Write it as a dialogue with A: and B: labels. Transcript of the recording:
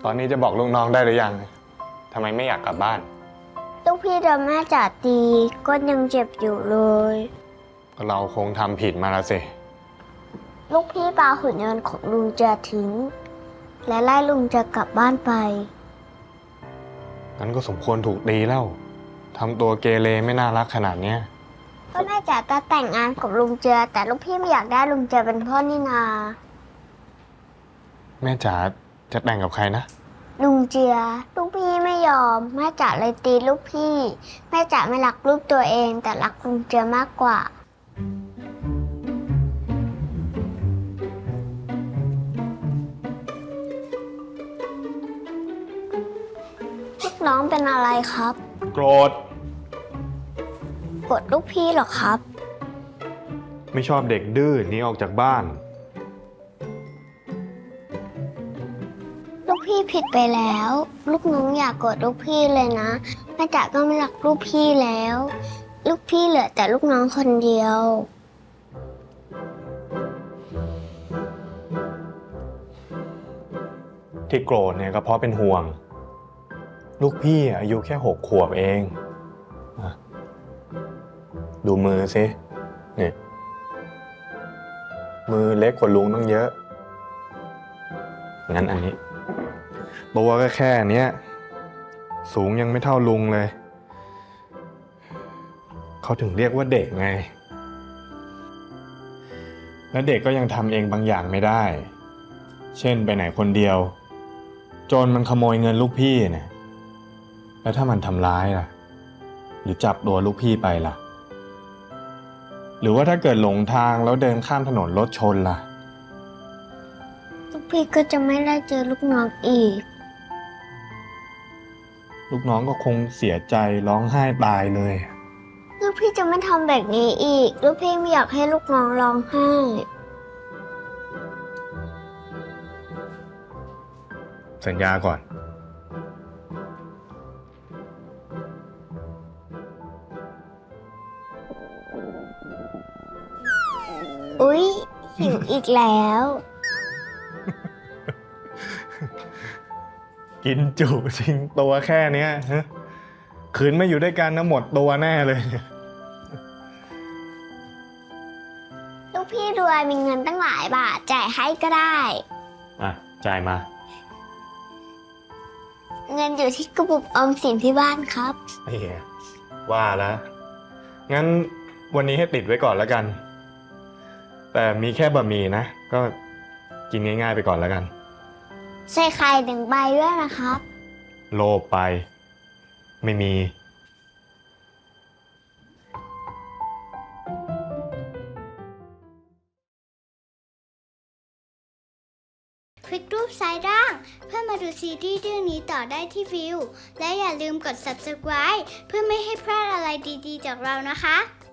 A: ตอนนี้จะบอกลูกน้องได้หรือยังทำไมไม่อยากกลับบ้าน
B: ลูกพี่โดนแม่จ๋าตีก็ยังเจ็บอยู่เลย
A: ก็เราคงทำผิดมาแล้วสิ
B: ลูกพี่ปาหุ่นยนต์ของลุงจะทิ้งและไล่ลุงจะกลับบ้านไป
A: งั้นก็สมควรถูกตีแล้วทำตัวเกเรไม่น่ารักขนาดเนี้ย
B: ก็แม่จ๋าจะแต่งงานกับลุงเจือแต่ลูกพี่ไม่อยากได้ลุงเจือเป็นพ่อนี่นา
A: แม่จ๋าจะแต่งกับใครนะ
B: ลุงเจือลูกพี่ไม่ยอมแม่จ๋าเลยตีลูกพี่แม่จ๋าไม่รักลูกตัวเองแต่รักลุงเจือมากกว่าลูกน้องเป็นอะไรครับ
A: โกรธ
B: โกรธลูกพี่เหรอครับ
A: ไม่ชอบเด็กดื้อหนีออกจากบ้าน
B: ลูกพี่ผิดไปแล้วลูกน้องอย่าโกรธลูกพี่เลยนะแม่จ๋าก็ไม่รักลูกพี่แล้วลูกพี่เหลือแต่ลูกน้องคนเดียว
A: ที่โกรธเนี่ยก็เพราะเป็นห่วงลูกพี่อายุแค่6 ขวบเองดูมือสินี่มือเล็กกว่าลุงต้องเยอะงั้นอันนี้ตัวก็แค่เนี้ยสูงยังไม่เท่าลุงเลยเขาถึงเรียกว่าเด็กไงและเด็กก็ยังทำเองบางอย่างไม่ได้เช่นไปไหนคนเดียวโจรมันขโมยเงินลูกพี่เนี่ยแล้วถ้ามันทำร้ายล่ะหรือจับตัวลูกพี่ไปล่ะหรือว่าถ้าเกิดหลงทางแล้วเดินข้ามถนนรถชนล่ะ
B: ลูกพี่ก็จะไม่ได้เจอลูกน้องอีก
A: ลูกน้องก็คงเสียใจร้องไห้ตายเลย
B: ลูกพี่จะไม่ทำแบบนี้อีกลูกพี่ไม่อยากให้ลูกน้องร้องไห้
A: สัญญาก่อน
B: อุ๊ยหิวอีกแล้ว
A: กินจุจริงตัวแค่เนี้ยขืนไม่อยู่ด้วยกันนะหมดตัวแน่เลย
B: ลูกพี่รวยมีเงินตั้งหลายบาทจ่ายให้ก็ได้
A: จ่ายมา
B: เงินอยู่ที่กระปุกออมสินที่บ้านครับ
A: ว่าแล้วงั้นวันนี้ให้ติดไว้ก่อนแล้วกันแต่มีแค่บะหมี่นะก็กินง่ายๆไปก่อนแล้วกัน
B: ใส่ไข่1 ใบด้วยนะครับ
A: โลภไปไม่มี
B: คลิกรูปซ้ายล่างเพื่อมาดูซีรีส์เรื่องนี้ต่อได้ที่วิวและอย่าลืมกด subscribe เพื่อไม่ให้พลาดอะไรดีๆจากเรานะคะ